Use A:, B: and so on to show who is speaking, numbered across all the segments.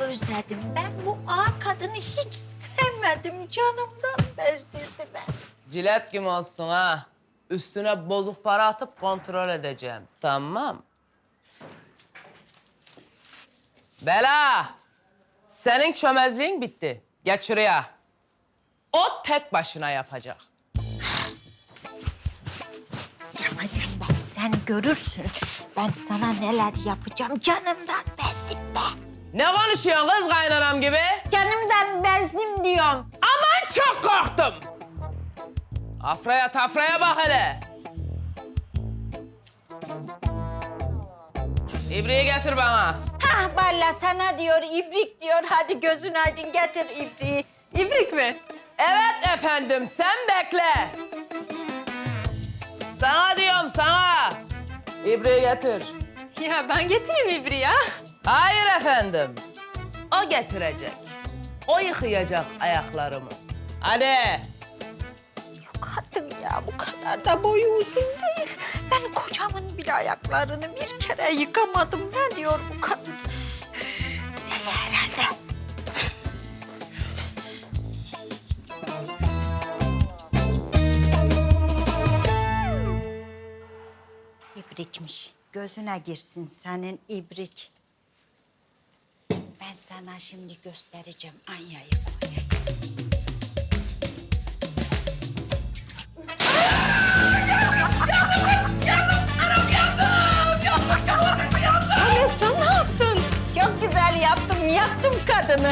A: özledim. Ben bu ağa kadını hiç sevmedim. Canımdan bezdirdi ben.
B: Cilet gibi olsun ha. Üstüne bozuk para atıp kontrol edeceğim. Tamam. Bela! Senin çömezliğin bitti. Geç şuraya. O tek başına yapacak.
A: Yapacağım ben, sen görürsün. Ben sana neler yapacağım. Canımdan bezdim be.
B: Ne konuşuyorsun kız kaynanam gibi?
A: Canımdan bezdim diyorum.
B: Aman çok korktum. Afraya tafraya bak hele. İbriği getir bana.
A: Hah valla sana diyor, ibrik diyor. Hadi gözün aydın getir ibriği. İbrik mi?
B: Evet efendim, sen bekle. Sana diyorum, sana. İbriği getir.
C: Ya ben getireyim İbri ya.
B: Hayır efendim. O getirecek. O yıkayacak ayaklarımı. Hadi.
A: Yok artık ya, bu kadar da boyu uzun değil. Ben kocamın bile ayaklarını bir kere yıkamadım. Ne diyor bu kadın? Deli herhalde. İbrikmiş. Gözüne girsin senin ibrik. Ben sana şimdi göstereceğim. Anya'yı koyayım.
C: Anne sen ne yaptın?
A: Çok güzel yaptım. Yaktım kadını.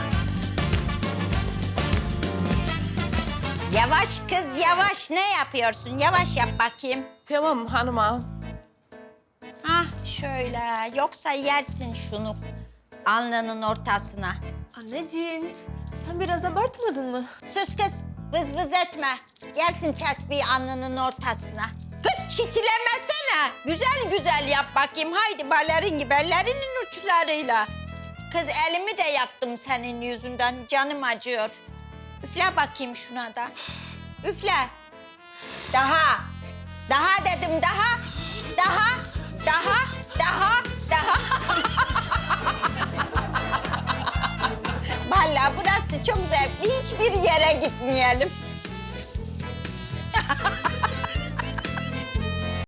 A: Yavaş kız, yavaş. Ne yapıyorsun? Yavaş yap bakayım.
B: Tamam hanım ağam.
A: Hah şöyle. Yoksa yersin şunu alnının ortasına.
C: Anneciğim sen biraz abartmadın mı?
A: Sus kız. Vız vız etme. Yersin tesbihi alnının ortasına. Kız çitilemesene. Güzel güzel yap bakayım. Haydi balerin gibi ellerinin uçlarıyla. Kız elimi de yaktım senin yüzünden. Canım acıyor. Üfle bakayım şuna da. Üfle. Daha. Daha dedim daha. Daha. Daha. Daha. Vallahi burası çok zevkli. Hiçbir yere gitmeyelim.